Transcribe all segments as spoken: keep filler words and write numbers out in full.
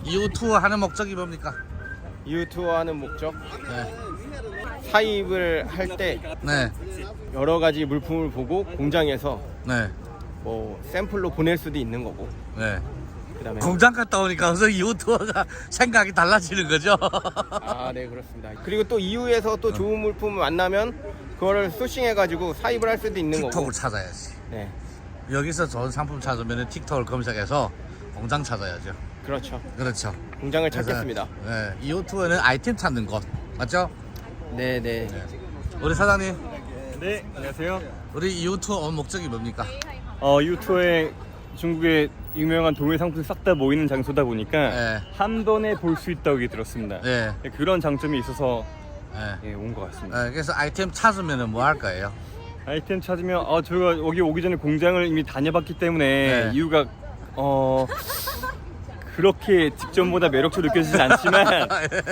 이후 투어 하는 목적이 뭡니까? 이후 투어하는 목적? 네. 사입을 할 때 네. 여러 가지 물품을 보고 공장에서 네. 뭐 샘플로 보낼 수도 있는 거고. 네. 그다음에 공장 갔다 오니까 그래서 이후 투어가 생각이 달라지는 거죠. 아, 네, 그렇습니다. 그리고 또 이후에서 또 좋은 물품을 만나면 그거를 소싱해가지고 사입을 할 수도 있는 거고. 틱톡을 찾아야지. 네, 여기서 좋은 상품 찾으면 틱톡을 검색해서 공장 찾아야죠. 그렇죠. 그렇죠. 공장을 그래서, 찾겠습니다. 네. 이후 투어는 아이템 찾는 곳 맞죠? 네, 네. 우리 사장님, 네, 안녕하세요. 우리 이후 투어 온 목적이 뭡니까? 어, 유튜브에 중국의 유명한 동일 상품 싹 다 모이는 장소다 보니까 네. 한 번에 볼 수 있다고 들었습니다. 네. 그런 장점이 있어서 네. 예, 온 것 같습니다. 네. 그래서 아이템 찾으면 뭐 할 거예요? 아이템 찾으면 어, 저희가 여기 오기 전에 공장을 이미 다녀봤기 때문에 네. 이유가 어 그렇게 직전보다 매력적으로 느껴지진 않지만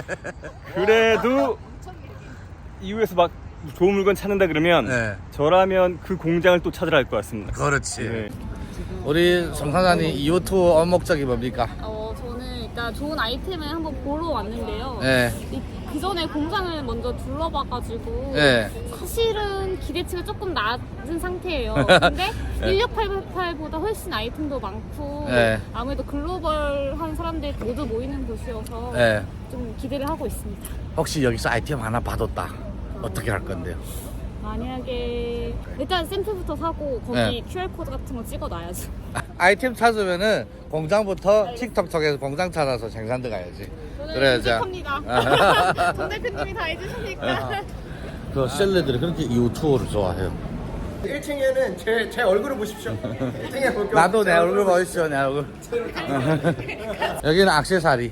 그래도 이후에서 막 좋은 물건 찾는다 그러면 네. 저라면 그 공장을 또 찾으러 갈 것 같습니다. 그렇지. 네. 우리 송 사장님 이후 투어 온 목적이 뭡니까? 어, 저는 일단 좋은 아이템을 한번 보러 왔는데요. 네. 그 전에 공장을 먼저 둘러봐가지고 네. 사실은 기대치가 조금 낮은 상태예요. 근데 네. 일육팔팔보다 훨씬 아이템도 많고 네. 아무래도 글로벌한 사람들 모두 모이는 곳이어서 네. 좀 기대를 하고 있습니다. 혹시 여기서 아이템 하나 받았다. 어떻게 할 건데요? 만약에 일단 샘플부터 사고 거기 네. 큐알코드 같은 거 찍어놔야죠. 아, 아이템 찾으면은 공장부터 틱톡 쪽에서 공장 찾아서 생산 들어가야지. 그래야죠. 합니다. 정 대표님이 다 해주시니까. 그 셀러들이 그렇게 이후 투어를 좋아해요. 일 층에는 제, 제 얼굴을 보십시오. 일 층에 볼게요. 나도 내 얼굴 보이시죠, 내 얼굴. 여기는 액세서리.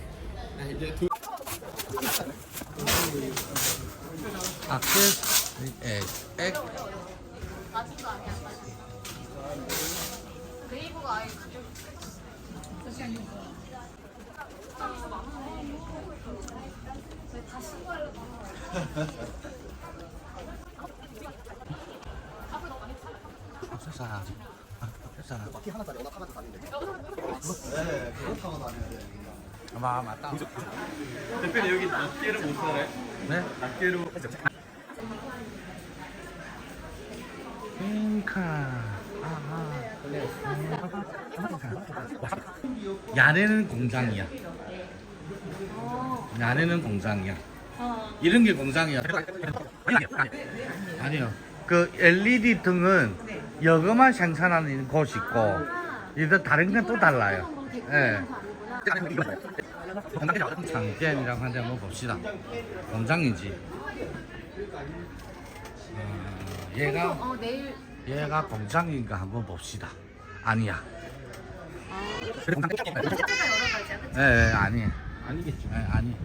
액세서리, 액, 액. 액세서리. 액세서리. 바퀴 하나짜리 워낙 하나도 다닌데. 네, 그렇다고 다녀야 돼. 아, 맞다. 대표님 여기 낱개를 못 사네. 네? 낱개로 핑카. 아하. 야내는 공장이야. 야내는 공장이야. 이런 게 공장이야. 아니요. 그 엘이디 등은 여거만 생산하는 곳이 있고, 이거 다른 건 또 달라요. 예. 장店이라고 하는데 한번 봅시다. 공장이지. 어, 얘가 어, 내일 얘가 공장인가 한번 봅시다. 아니야. 예, 예, 아니. 아니겠죠. 예, 아니.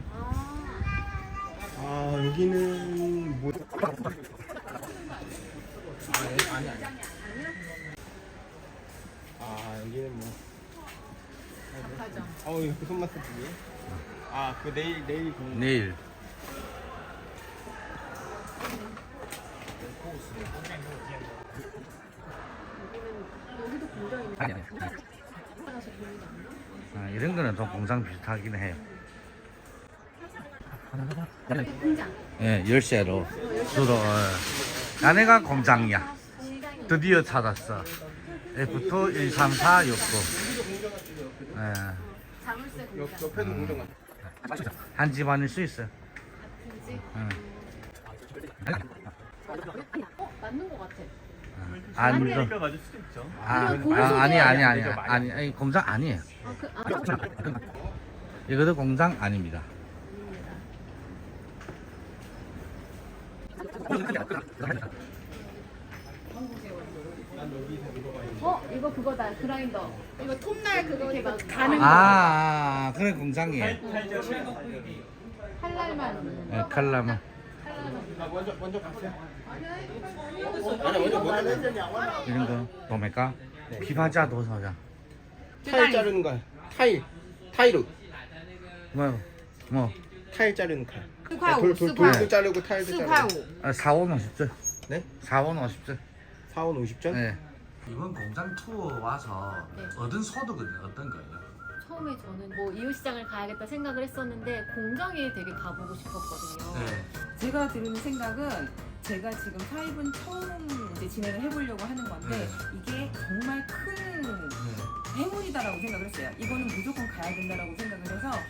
아, 여기는 뭐? 아니, 아니. 아, 여기는 뭐? 어우, 그 손맛 쓰기. 아, 그 내일 내일 그 내일. 아니, 아니. 아, 이런 거는 좀 공장 비슷하긴 해요. 예, 열쇠로 주로. 예. 아내가 공장이야. 드디어 찾았어. 에프 투 일 삼 사 육 구. 예. 옆, 옆에도 공장 같아. 한 집안일 수 있어. 응. 맞는 것 같아. 아니, 그러니까 맞을 수도 있죠. 아, 아, 아니, 아니, 아니, 아니, 아니, 공장 아니에요. 이것도 공장 아닙니다. 어? 이거 그거다. 그라인더. 이거 톱날 그거 이거 가는 아, 아, 그래 공장이에요. 할랄만. 예, 칼라만. 아, 먼저 먼저 가세요. 아니, 먼저 먼저. 이런 거 뭡니까? 피파자 도서장. 타일 자르는 거. 타일. 타일로. 뭐, 뭐, 타일 자르는 칼. 스파오, 돌, 돌, 스파오. 돌도 자르고 타일도 스파오. 자르고. 아, 사원 오십 줄. 네? 사원 오십 줄. 사원 오십 전? 네. 이번 공장 투어 와서 얻은 소득은 어떤 거예요? 저 처음에 저는 뭐 이웃시장을 가야겠다 생각을 했었는데 공장에 되게 가보고 싶었거든요. 네. 제가 드는 생각은 제가 지금 사입은 처음 이제 진행을 해보려고 하는 건데 네. 이게 정말 큰 행운이다라고 생각을 했어요. 이거는 무조건 가야 된다라고 생각을 해서